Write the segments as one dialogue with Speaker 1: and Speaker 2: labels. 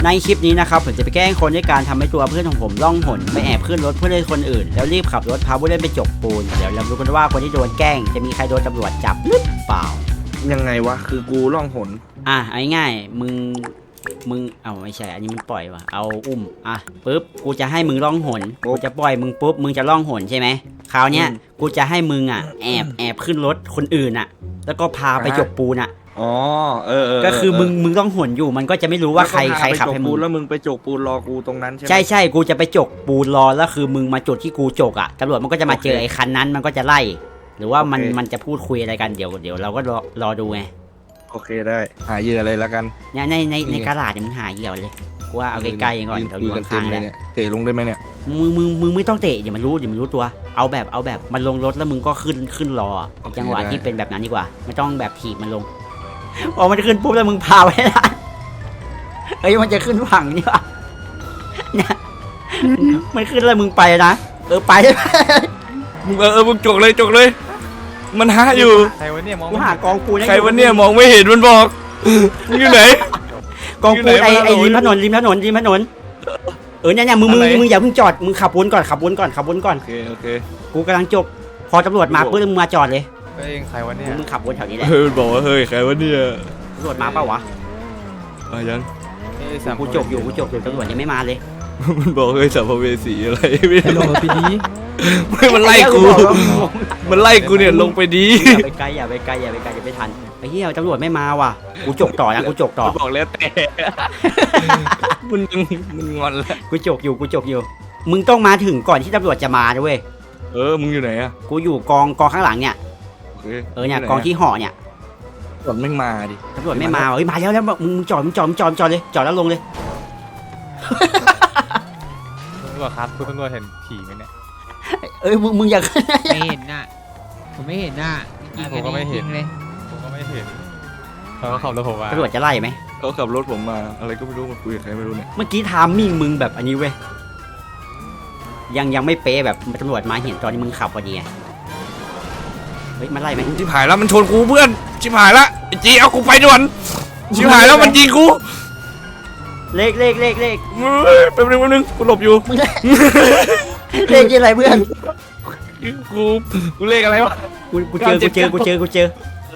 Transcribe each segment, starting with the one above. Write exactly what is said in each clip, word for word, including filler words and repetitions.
Speaker 1: ในคลิปนี้นะครับผมจะไปแกล้งคนด้วยการทำให้ตัวเพื่อนของผมล่องหนไปแอบขึ้นรถเพื่อนคนอื่นแล้วรีบขับรถพาผู้เล่นไปจกปูนเดี๋ยวเราดูกันว่าคนที่โดนแกล้งจะมีใครโดนตำรวจจับหรือเปล่า
Speaker 2: ยังไงวะคือกูล่องหน
Speaker 1: อ่ะเอาง่ายๆมึงมึงเอาไม่ใช่อันนี้มันปล่อยวะเอาอุ้มอ่ะปุ๊บกูจะให้มึงล่องหนกูจะปล่อยมึงปุ๊บมึงจะล่องหนใช่ไหมคราวเนี้ยกูจะให้มึงอ่ะแอบแอบขึ้นรถคนอื่นอ่ะแล้วก็พาไปจกปูนอ่ะ
Speaker 2: อ๋อเออเออ
Speaker 1: ก็คือมึงมึงต้องหนอยู่มันก็จะไม่รู้ว่าใครใครขับให้มึง
Speaker 2: แล้วมึงไปจกปูนรอกูตรงนั้นใช่ไหม
Speaker 1: ใช่ใช่กูจะไปจกปูนรอแล้วคือมึงมาจุดที่กูจกอ่ะตำรวจมันก็จะมาเจอไอ้คันนั้นมันก็จะไล่หรือว่ามันมันจะพูดคุยอะไรกันเดี๋ยวเดี๋ยวเราก็รอรอดูไง
Speaker 2: โอเคได้หาเหยื่ออะไรแล้วกัน
Speaker 1: เนี่ยในในในกระดาษเนี่ยมึงหาเหยื่อเลยกูว่าเอาใกล้ๆก่อนเราอยู่ข้างๆเลย
Speaker 2: เตะลงได้ไหมเนี่ย
Speaker 1: มึงมึงมึงไม่ต้องเตะเดี๋ยวมันรู้เดี๋ยวมันรู้ตัวเอาแบบเอาแบบมันลงรถแล้วมึงก็ขึ้นขึ้นรอจังหวะที่เป็นแบบนั้นดีกว่าไม่ต้องแบบถีบมันลงพอมันจะขึ้นปุ๊บแล้วมึงพาไปได้เฮ้ยมันจะขึ้นฝั่งนี่วะเนี่ยมันขึ้นแล้วมึงไปนะเออไป
Speaker 2: มึงเออเออมึงจกเลยจกเลยมันหาอยู่
Speaker 3: ใครวะเนี่ยมอง
Speaker 1: กูหากองปูน
Speaker 2: ใครวะเนี่ยมองไม่เห็นมันบอกมึงอยู่ไหน
Speaker 1: กองปูนไอไอริมถนนริมถนนริมถนนเออเนี่ยเนี่ยมึงมึงมึงอย่าเพิ่งจอดมึงขับวนก่อนขับวนก่อนขับวนก่อน
Speaker 2: โอเคโอเค
Speaker 1: กูกำลังจกพอตำรวจมาปุ๊บมึงมาจอดเลย
Speaker 3: เองใครวะเนี่ย
Speaker 1: มึงขับวนแถวนี้แหละ
Speaker 2: เฮ้ยบอกว่าเฮ้ยใครวะเนี่ย
Speaker 1: ตำรวจมาเปล่าวะ
Speaker 2: มายัง
Speaker 1: กูจกอยู่กูจกอยู่ตำรวจยังไม่มาเลย
Speaker 2: มันบอกเฮ้ยสัมภเวสีอะไรไม่
Speaker 3: ลงไปดี
Speaker 2: ไม่มันไล่กูมันไล่กูเนี่ยลงไปดี
Speaker 1: อย่าไปไกลอย่าไปไกลอย่าไปไกลอย่าไปทันไอ้เหี้ยตำรวจไม่มาว่ะกูจกต่อนะกูจกต่อ
Speaker 2: บอกแล้วแต่มันมันงอนแล้ว
Speaker 1: กูจกอยู่กูจกอยู่มึงต้องมาถึงก่อนที่ตำรวจจะมาด้วย
Speaker 2: เออมึงอยู่ไหนอะ
Speaker 1: กูอยู่กองกองข้างหลังเนี่ยเออเนี่ยกองที่ห่อเนี่ย
Speaker 2: ตำรวจไม่มาดิ
Speaker 1: ตำรวจไม่มาเฮ้ยมาแล้วแล้วมึงจอดมึงจอดมึงจอดจอดเลยจอดแล้วลงเลย
Speaker 3: ตำรวจครับคุณตำรวจเห็นผีไหมเนี่ย
Speaker 1: เอ้ยมึงมึงอยาก
Speaker 4: ไม่เห็นน่ะผมไม่เห็นน่ะ
Speaker 3: ผมก็ไม่เห็นเลยผมก็ไม่เห็นเขาขับรถผมมา
Speaker 1: ตำรวจจะไล่ไหม
Speaker 2: เขาขับรถผมมาอะไรก็ไม่รู้มาคุยกับใครไม่รู้เนี่ย
Speaker 1: เมื่อกี้ทามมิ่งมึงแบบอันนี้เว้ยยังยังไม่เป๊ะแบบตำรวจมาเห็นตอนนี้มึงขับพอดีเฮ้ยมันไล่ไหม
Speaker 2: ชิบหายแล้วมันชนกูเพื่อนชิบหายละไอ้จีเอากูไปด่วนชิบหายแล้วมันยิงกู
Speaker 1: เลขเลขเลขเลข
Speaker 2: แป๊บนึงแป๊บนึงกูหลบอยู่
Speaker 1: เลขอะไรเพื่อน
Speaker 2: กูกูเลขอะไรวะ
Speaker 1: กูกูเจอกูเจอกูเจอกูเจอ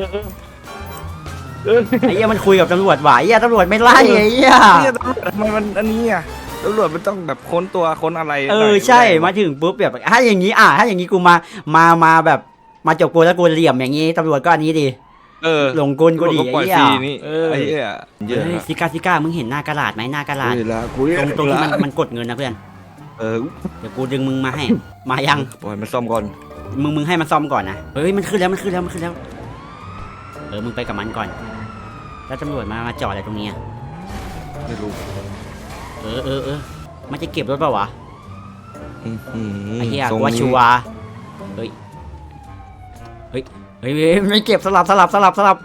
Speaker 1: ไอ้เหี้ยมันคุยกับตำรวจหวายไอ้เหี้ยตำรวจไม่ไล่ไอ้เหี้ย
Speaker 2: ทำไมมันอันนี้อ่ะตำรวจมันต้องแบบค้นตัวค้นอะไร
Speaker 1: เออใช่มาถึงปุ๊บแบบถ้าอย่างนี้อ่ะถ้าอย่างนี้กูมามามาแบบมาจบกูแล้วกูเหลี่ยมอย่างนี้ตำรวจก็อันนี้ดี
Speaker 2: เออ
Speaker 1: ลงกลกูดีไอ้เหี้ย
Speaker 2: เออไอ้เหี้ย
Speaker 1: เฮ้ยซิก้าซิก้ามึงเห็นหน้ากระดาษไหมหน้ากระดาษตรงตรงที่มันมันกดเงินนะเพื่อน
Speaker 2: เออ
Speaker 1: เดี๋ยวกูดึงมึงมาให้มายัง
Speaker 2: ปล่อยมันซ่อมก่อน
Speaker 1: มึงมึงให้มันซ่อมก่อนนะเฮ้ยมันขึ้นแล้วมันขึ้นแล้วมันขึ้นแล้วเออมึงไปกับมันก่อนแล้วตำรวจมามาจอดอะไรตรงนี้
Speaker 2: ไม่รู้
Speaker 1: เออเออเออมันจะเก็บรถเปล่าวะไอ้เหี้ยกูว่าชัวร์เฮ้ยเฮ้ยเฮ้ยไม่เก็บสลับสลับสลับสลับ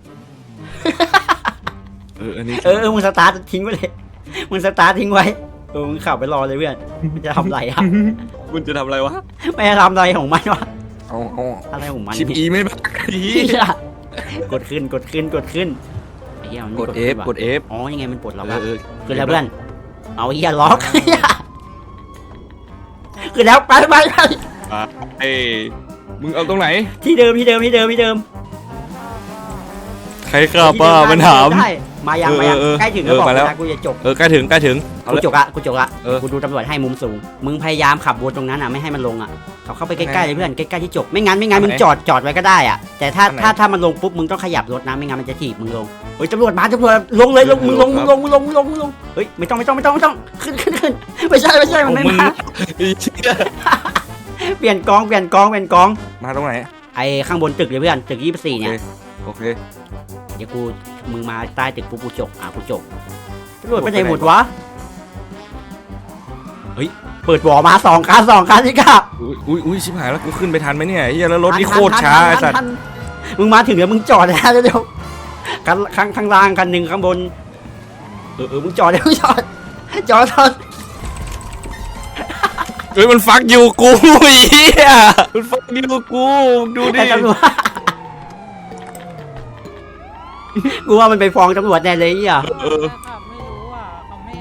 Speaker 2: เอออันนี้
Speaker 1: เออมึงสตาร์ททิ้งไว้เลยมึงสตาร์ททิ้งไว้เออมึงขับไปรอเลยเพื่อนมันจะทำอะไรอ่ะ
Speaker 2: มันจะทำอะไรวะ
Speaker 1: ไม่จะทำอะไรของมันวะ
Speaker 2: เอาเอา
Speaker 1: อะไรของมัน
Speaker 2: ชิปอีไม่บักอี
Speaker 1: กดขึ้นกดขึ้นกดขึ้นไอ้เหี้ยมัน
Speaker 2: กด F กด F
Speaker 1: อ๋อยังไงมันปลดล็อกคือแล้วเพื่อนเอาไอ้เหี้ยล็อกคือแล้วไปไปไป
Speaker 2: เอ้มึงเอาตรงไหน
Speaker 1: ที่เดิมที่เดิมที่เดิมที่เดิม
Speaker 2: ใครขับป้ามันถาม
Speaker 1: มายังมายังใกล้ถึงแล้วบอกนะกูจะจบ
Speaker 2: เออใกล้ถึงใกล้ถึง
Speaker 1: กูจบละกูจบละกูดูตำรวจให้มุมสูงมึงพยายามขับวนตรงนั้นอ่ะไม่ให้มันลงอ่ะเขาเข้าไปใกล้ๆเลยเพื่อนใกล้ๆที่จบไม่งั้นไม่งั้นมึงจอดจอดไว้ก็ได้อ่ะแต่ถ้าถ้าถ้ามันลงปุ๊บมึงต้องขยับรถนะไม่งั้นมันจะถีบมึงลงเฮ้ยตำรวจมาตำรวจลงเลยลงมึงลงมึงลงมึงลงมึงลงมึงลงเฮ้ยไม่ต้องไม่ต้องไม่ต้องไม่ต้องขึ้นขึ้นขึ้นไม่ใช่ไม่ใช่มันไม่มาเปลี่ยนกองเปลี่ยนกองเปลี่ยนกอง
Speaker 2: มาตรงไหน
Speaker 1: ไอ้ข้างบนตึกเลยเพื่อนตึกยี่สิบสี่เนี่ย
Speaker 2: โอเค
Speaker 1: เดี๋ยวกูมึงมาใต้ตึกปุ๊บกูจกอ่ะกูจกตำรวจไปไหนหมดวะเฮ้ยเปิดบ่อมาสองคันสองคันสิครับ
Speaker 2: อุ้ยอุ้ยชิบหายแล้วกูขึ้นไปทันไหมเนี่ยเฮียแล้วรถนี่โคตรช้าไอ้สัตว์
Speaker 1: มึงมาถึงแล้วมึงจอดแล้วเดี๋ยวคันข้างข้างล่างคันหนึ่งข้างบนเออเออมึงจอดเดี๋ยวมึงจอดจอดจอด
Speaker 2: เฮ้ยมันฟักอยู่กูเฮียมันฟักอยู่กูดูดิ
Speaker 1: กูว่ามันไปฟ้องตำรวจแน่เลยอ่ะ
Speaker 4: ไม่รู้อ่ะเขาไม่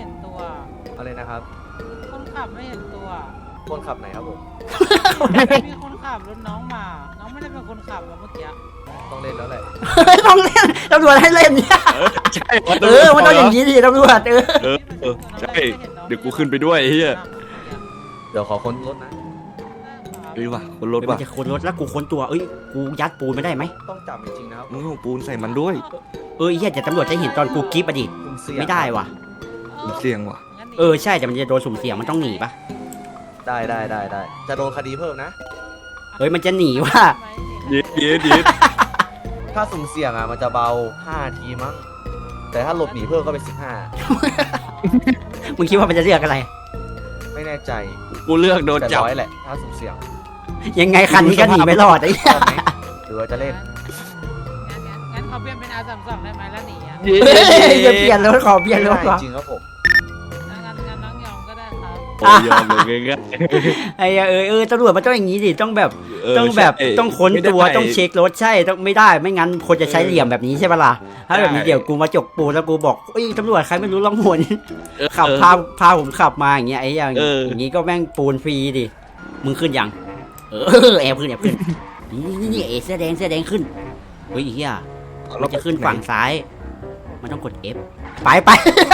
Speaker 5: อะไรนะครับ
Speaker 6: คนขับไม่เห็นตัว
Speaker 5: คนขับไหนครับผม
Speaker 6: มีคนขับรถน้องมา น้องไม่ได้เป็นคนขับแล้วเมื่อกี้
Speaker 5: ต้องเล่นแล้วแหละ
Speaker 1: ต้องเล่นตำรวจให้เล่นเนี่ย
Speaker 2: ใช่
Speaker 1: เออมันต้องอย่างนี้ดิตำรวจเออ
Speaker 2: เออเออใช่เดี๋ยวกูขึ้นไปด้วยไอ้เหี้ย
Speaker 5: เดี๋ยวขอค้นรถนะ
Speaker 2: เอ้ยว่ะคนรถ
Speaker 1: มั
Speaker 2: ว่ะ
Speaker 1: นจะค้นรถแล้วกูค้นตัวเอ้ยกูยัดปูนไม่ได้ไหม
Speaker 5: ต้องจับจริงๆนะครับ
Speaker 2: มึงเอาปูนใส่มันด้วย
Speaker 1: เออเฮียแต่ตำรวจจะเห็นตอนกูกรี๊บอะดิ
Speaker 5: คุณเสี่ยง
Speaker 1: ไม่ได้ว่ะ
Speaker 2: มันเสี่ยงว่ะ
Speaker 1: เออใช่แต่มันจะโดนสุ่มเสี่ยงมันต้องหนีปะ
Speaker 5: ได้ได้ได้ได้จะโดนคดีเพิ่มนะ
Speaker 1: เฮ้ยมันจะหนีว่ะ
Speaker 2: เย็ดเย็ดเย็ด
Speaker 5: ถ้าสุ่มเสี่ยงอ่ะมันจะเบาห้าทีมั้ง แต่ถ้าหลบหนีเพิ่มก็เป็นสิบห้า
Speaker 1: มึงคิดว่ามันจะเลือกอะไร
Speaker 5: ไม่แน่ใจ
Speaker 2: กูเลือกโดน
Speaker 5: แต่
Speaker 2: จับ
Speaker 5: ร้อยแหละ ถ้าสุ่มเสี่ยง
Speaker 1: ยังไงคันนี้ก็หนีไม่รอดไอ้เหี้ย
Speaker 5: ชอบไหมหรือว่าจะเล่น
Speaker 6: งั้นงั้นงั้นเขาเปลี่ยนเป็นอาสามสองได้ไหมแล้วหนีอ่ะ
Speaker 2: เย็ด
Speaker 1: เฮ้ย
Speaker 2: เย็
Speaker 1: จะ
Speaker 2: ด
Speaker 1: เปลี่ยนรถขอเปลี่ยนรถ
Speaker 5: ไม่
Speaker 1: วะ
Speaker 5: ได้จริงครับผม
Speaker 6: งั้นงั้นงั้นน้องยอมก็ได้ครับ
Speaker 2: โอ้ยยอมเลยง่าย
Speaker 1: ไอ้เหี้ยเออเออตำรวจมันต้องอย่างนี้ดิต้องแบบ
Speaker 2: ๆเ
Speaker 1: ต้องแบบ
Speaker 2: ใช่
Speaker 1: ต้องค้น
Speaker 2: ไม่ได้
Speaker 1: ตัวต้องเช็ครถใช่ต้องไม่ได้ไม่งั้นคนจะใช้เหลี่ยมแบบนี้ใช่ปะล่ะถ้าแบบนี้
Speaker 2: ใช่
Speaker 1: เดี๋ยวกูมาจกปูนแล้วกูบอกเอ้ยตำรวจใครไม่รู้ล่องหน
Speaker 2: เออ
Speaker 1: ขับพาพาผมขับมาอย่างเงี้ยไอ้อย่าง
Speaker 2: เออ
Speaker 1: อย่างงี้ก็แม่งปูนฟรีดิมึงขึ้นยังเออแอบขึ้นแอบขึ้นนี่นี่นี่เอเสื้อแดงเสื้อแดงขึ้นเฮ้ยไอ้เฮียมันจะขึ้นฝั่งซ้าย มันต้องกด F ไปไป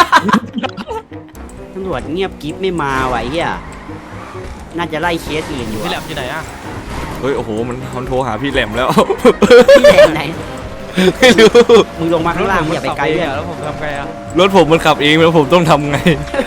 Speaker 1: ตำรวจเงียบกิ๊บไม่มาว่ะไอ้เฮียน่าจะไล่เคสอื่นอยู่
Speaker 3: พี่แหล
Speaker 1: อะ
Speaker 3: มอยู่ไหนอ่ะ
Speaker 2: เฮ้ยโอ้โหมันมันโทรหาพี่แหลมแล้ว
Speaker 1: พี่แดงไหน
Speaker 2: ไม่รู้
Speaker 1: มึงลงมาข้างล่างมึงอย่าไปไกล
Speaker 3: เล
Speaker 1: เพื่อน
Speaker 3: แล้วผมทำไงอ่ะ
Speaker 2: รถผมมันขับเองแล้วผมต้องทำไง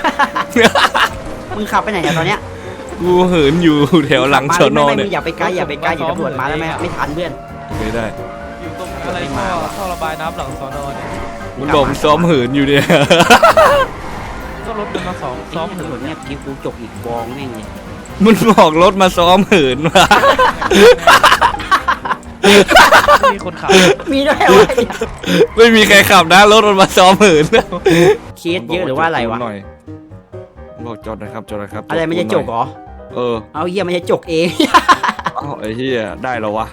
Speaker 1: มึงขับไปไหนเนี่ยตอนเนี้ย
Speaker 2: กูเหินอยู่แถวหลังสอนอ
Speaker 1: ไม่ไม่
Speaker 2: เนี่
Speaker 1: มึ
Speaker 2: ย
Speaker 1: งอย่าไปไกลอย่าไปไกลเดี๋ยวตำรวจมาแล้วไม่ไม่ทันเพื่อน
Speaker 2: ไม่ได้
Speaker 3: อยู่ตรงอะไรท่อท่อระบายน้ำหลังสอนอเนี่ย
Speaker 2: มึงบอกมึงซ้อมเหินอยู่เนี่ย
Speaker 3: ก็รถมันมาสองซ้
Speaker 1: ซ้
Speaker 3: อ
Speaker 1: อ
Speaker 3: ม
Speaker 1: ม
Speaker 3: เหิ
Speaker 1: ตำรวจ
Speaker 3: น
Speaker 1: เงียบกิ๊บกูจกอีกบองแม่งเลย
Speaker 2: มันบอกรถมาซ้อมเหินมา
Speaker 3: มีคนขับ
Speaker 1: มีด้วยวะเนี่ย
Speaker 2: ไม่มีใครขับนะรถมันมาซ้อมเหิน
Speaker 1: เคสเยอะหรือว่าอะไรวะ
Speaker 2: หน่อยบอกจอดหนะครับจอดหนะครับ
Speaker 1: อะไรมันจะจกเหรอ
Speaker 2: เออ
Speaker 1: เอาเฮียมันจะจกเอง
Speaker 2: เอ้าไอ้เหี้ยได้แล้ววะ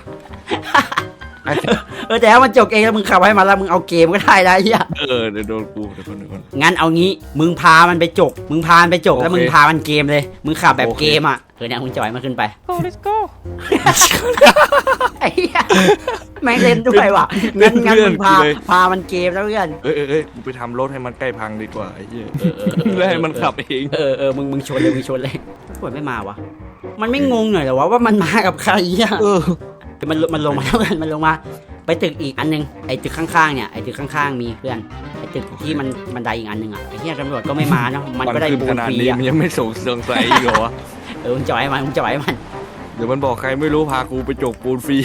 Speaker 1: เออแต่ถ้ามันจกเองแล้วมึงขับให้มันแล้วมึงเอาเกมก็ได้นะเฮีย
Speaker 2: เออเดี๋ยวโดนกูเดี๋ยวคนเดี๋ยวคน
Speaker 1: งั้นเอางี้มึงพามันไปจก มึงพามันไปจกแล้ว
Speaker 2: โอเค
Speaker 1: มึงพามันเกมเลย มึงขับแบบ
Speaker 2: โอเค
Speaker 1: เกมอ่ะเออเนี่ยมึงจอยมันขึ้นไป
Speaker 3: โก้ let's go
Speaker 1: ไอ้เหี้ยแม่งเล่นด้วยว่ะงั้นงั้นมึงพาพามันเกมแล้วเพื่อน
Speaker 2: เอ้ยเอ้ยเอ้ยกูไปทำรถให้มันใกล้พังดีกว่าไอ้เหี้ยแล้วให้มันขับเอง
Speaker 1: เออเออมึงมึงชนเลยมึงชนเลยตำรวจไม่มาวะมันไม่งงหน่อยเหรอวะว่ามันมากับใครอ่ะ
Speaker 2: เออ
Speaker 1: มันมันลงมาแล้วเพื่อนมันลงมา ไปตึกอีกอันนึงไอ้ตึกข้างๆเนี่ยไอ้ตึกข้างๆมีเพื่อนไอ้ตึกที่มันบันไดอีกอันนึงอ่ะไอ้เหี้ยตำรวจก็ไม่มาเนาะมันก็ได้
Speaker 2: ขึ้น
Speaker 1: ปู
Speaker 2: ข
Speaker 1: น
Speaker 2: นาด
Speaker 1: ฟรี
Speaker 2: นี้
Speaker 1: อ่ะ
Speaker 2: มันยังไม่ส่งเสียงใส่อีกเหรอวะ
Speaker 1: เออมึงจอยมันมึงจอยมัน
Speaker 2: เดี๋ยวมันบอกใครไม่รู้พากูไปจกปูนฟรี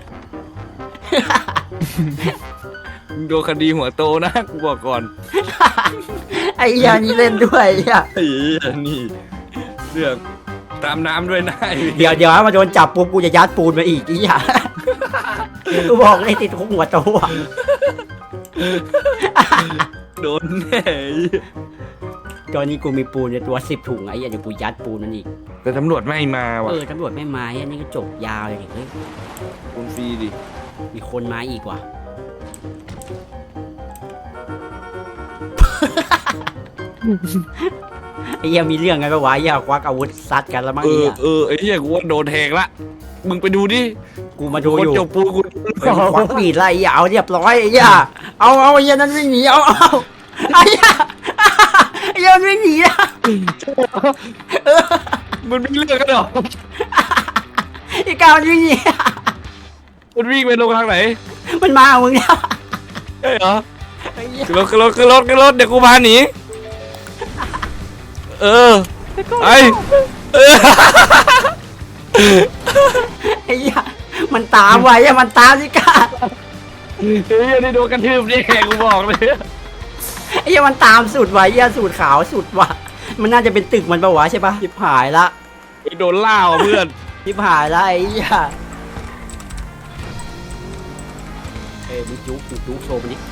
Speaker 2: มึงโดนคดีหัวโตนะกูบอกก่อน
Speaker 1: ไอ้เหี้ยนี่เล่นด้วยไอ้เหี้ย
Speaker 2: ไอ้เหี้ยนี่เรื่องตามน้ำด้วยนะ
Speaker 1: เดี๋ยวเดี๋ยวมาโดนจับปุ๊บกูจะยัดปูนมาอีกไอ้เหี้ยกูบอกเลยติดคุกหัวโตอ่ะ
Speaker 2: โดนแน่
Speaker 1: ตอนนี้กูมีปูนในตัวสิบถุงไอ้เหี้ยเดี๋ยวกูยัดปูนมันอีก
Speaker 2: แต่ตำรวจไม่มาว่ะ
Speaker 1: เออตำรวจไม่มาไอ้นี่ก็จบยาวเลยดิเฮ้ย
Speaker 2: ปูนฟรีดิ
Speaker 1: มีคนมาอีกว่ะ ไอ้เหี้ยมีเรื่องกันปะวะไอ้เหี้ยควักอาวุธซัดกันแล้วมั้ง
Speaker 2: เออ
Speaker 1: เนี่ย
Speaker 2: เออไอ้เหี้ยกูว่าโดนแทงละมึงไปดูดิ
Speaker 1: กูมาดู
Speaker 2: คน
Speaker 1: อยู่
Speaker 2: จกปูนกู
Speaker 1: เฮ้ยควักมีดไล่ไอ้เหี้ยเอาเรียบร้อยไอ้เหี้ยเอาเอาไอ้เหี้ยนั้นวิ่งหนีเอาเอาไอ้เหี้ยไอ้เหี้ยมันวิ่งหนีอะ
Speaker 2: มันมีเรื่องกันเหรอ
Speaker 1: ไอ้กาวมันวิ่งหนี
Speaker 2: มันวิ่งไปลงทางไหน
Speaker 1: มันมาเอามึงเนี่ย
Speaker 2: ใช่เหรอ
Speaker 1: ไอ้เหี้ย
Speaker 2: ขึ้นรถขึ้นรถขึ้นรถขึ้นรถเดี๋ยวกูพาหนีเออไอเออ
Speaker 1: ไอ้เหี้ยมันตามไว้อะมันตามสิกา
Speaker 2: เฮ้ยนี่โดนกระทืบนี่กูบอกเลย
Speaker 1: ไอ้เหี้ยมันตามสุดว่ะไอ้เหี้ยสูตรขาวสุดว่ะมันน่าจะเป็นตึกมันปะวะใช่ปะชิบหายละ
Speaker 2: โดนล่าว่ะเพื่อน
Speaker 1: ชิบหายละไอ้เหี้ยเอ้ยมึงจุกมึงจุกโชว์มันดิ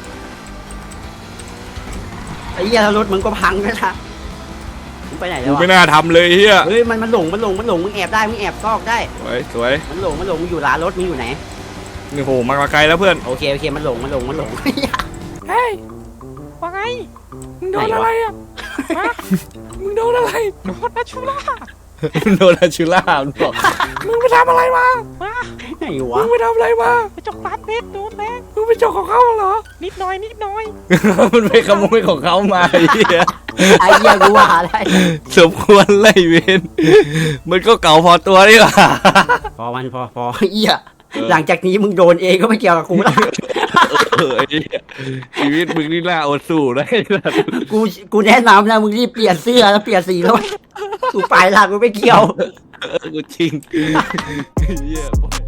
Speaker 1: ไอ้เหี้ยถ้ารถมึงก็พังแล้วนะมึงไปไหนแล้
Speaker 2: กู
Speaker 1: ว
Speaker 2: ไม่
Speaker 1: อะ
Speaker 2: น่าทำเลยเฮีย
Speaker 1: เฮ้ยมันมันหลงมันหลงมันหลงมึงแอบได้มึงแอบซอกได้
Speaker 2: สวยสวย
Speaker 1: มันหลงมันหลงมึงอยู่ร้านรถมึงอยู่ไหน
Speaker 2: นี่โหมาไกลแล้วเพื่อน
Speaker 1: โอเคโอเคมันหลงมันหลงมันหลง
Speaker 3: เฮ้ยว่าไงมึงโดนอะไรอ่ะฮะมึงโดน
Speaker 2: โดนอาชูล่าโดนอาชูล่ามึงบอกมึงไปทำอะไรมา
Speaker 1: ไหน
Speaker 2: มึ
Speaker 1: วะ
Speaker 2: งไปทำอะไรมา
Speaker 6: ไปจกร้านเพชรโดนแรง
Speaker 2: มึงไปจกของเขาเหรอ
Speaker 6: นิดหน่อยนิดหน่อย
Speaker 2: มันไปขโมยของเขามาไอ้เหี้ย
Speaker 1: ไอ้เหี้ยกูว่าอะไร
Speaker 2: สมควรไล่เวนมันก็เก่าพอตัวนี่หว่า
Speaker 1: พอมันพอพอเหี้ยหลังจากนี้มึงโดนเองก็ไม่เกี่ยวกับกูละ
Speaker 2: เออไอ้เหี้ยชีวิตมึงนี่น่าอดสู้นะ
Speaker 1: กูกูแนะนำนะมึงรีบเปลี่ยนเสื้อแล้วเปลี่ยนสีแล้วกูไปละกูไม่เกี่ยว
Speaker 2: เออกูจริงไอ้เหี้ย